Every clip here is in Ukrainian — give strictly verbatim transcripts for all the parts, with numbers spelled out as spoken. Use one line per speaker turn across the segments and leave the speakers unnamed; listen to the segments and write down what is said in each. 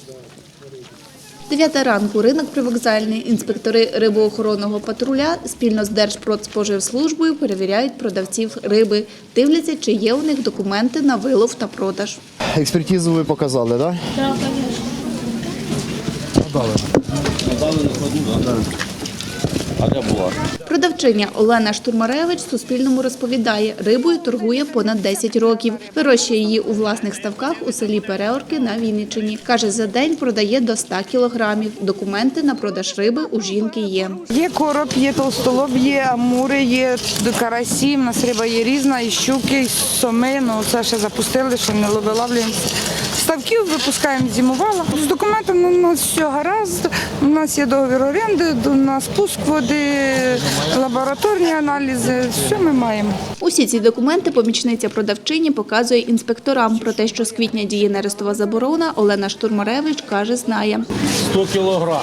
Дев'ята ранку, ринок привокзальний. Інспектори рибоохоронного патруля спільно з Держпродспоживслужбою перевіряють продавців риби. Дивляться, чи є у них документи на вилов та продаж.
Експертизу ви показали, так?
Так, звісно.
Дали.
Дали накладну, так? А де була?
Продавчиня Олена Штурмаревич Суспільному розповідає, рибою торгує понад десять років. Вирощує її у власних ставках у селі Переорки на Вінниччині. Каже, за день продає до ста кілограмів. Документи на продаж риби у жінки є.
Є короб, є толстолоб, є амури, є карасі, в нас риба є різна, і щуки, і соми, ну це ще запустили, ще не виловлюємо. Ставків випускаємо зимувала. З документами у нас все гаразд, у нас є договір оренди, у нас пуск води, лабораторні аналізи, все ми маємо.
Усі ці документи помічниця продавчині показує інспекторам. Про те, що з квітня діє нерестова заборона, Олена Штурмаревич каже, знає.
сто кілограм.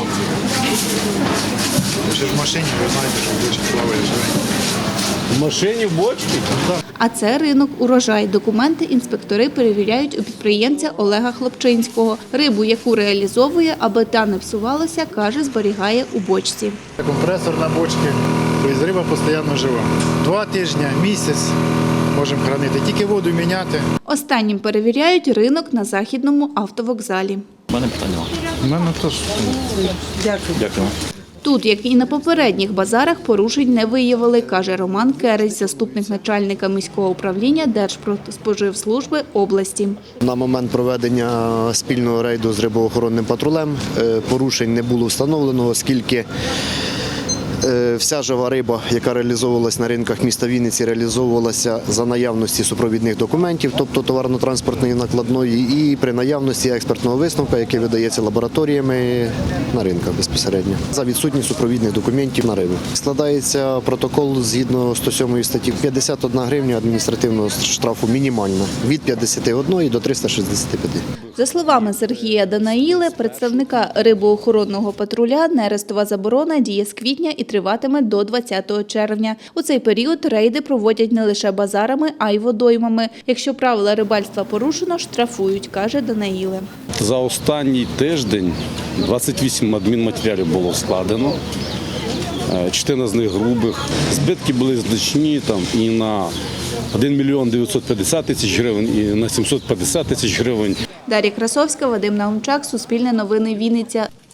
Ще в машині, ви знаєте, що більше плаває живе.
В машині в бочці?
А це ринок «Урожай». Документи інспектори перевіряють у підприємця Олега Хлопчинського. Рибу, яку реалізовує, аби та не псувалася, каже, зберігає у бочці.
Компресор на бочці, тобто риба постійно жива. Два тижні, місяць можемо хранити, тільки воду міняти.
Останнім перевіряють ринок на Західному автовокзалі.
У мене питання.
У мене теж.
Дякую.
Тут, як і на попередніх базарах, порушень не виявили, каже Роман Кересь, заступник начальника міського управління Держпродспоживслужби області.
На момент проведення спільного рейду з рибоохоронним патрулем порушень не було встановлено, оскільки вся жива риба, яка реалізовувалася на ринках міста Вінниці, реалізовувалася за наявності супровідних документів, тобто товарно-транспортної накладної, і при наявності експертного висновку, який видається лабораторіями на ринках безпосередньо, за відсутність супровідних документів на рибу. Складається протокол згідно сто сьомої статті п'ятдесят одна гривня адміністративного штрафу мінімальна, від п'ятдесят один до трьохсот шістдесяти п'яти.
За словами Сергія Данаїли, представника рибоохоронного патруля, нерестова заборона діє з квітня і триватиме до двадцятого червня. У цей період рейди проводять не лише базарами, а й водоймами. Якщо правила рибальства порушено, штрафують, каже Данаїли.
За останній тиждень двадцять вісім адмінматеріалів було складено. Частина з них грубих. Збитки були значні там і на один мільйон дев'ятсот п'ятдесят тисяч гривень, і на сімсот п'ятдесят тисяч гривень.
Дар'я Красовська, Вадим Наумчак, Суспільне новини, Вінниця.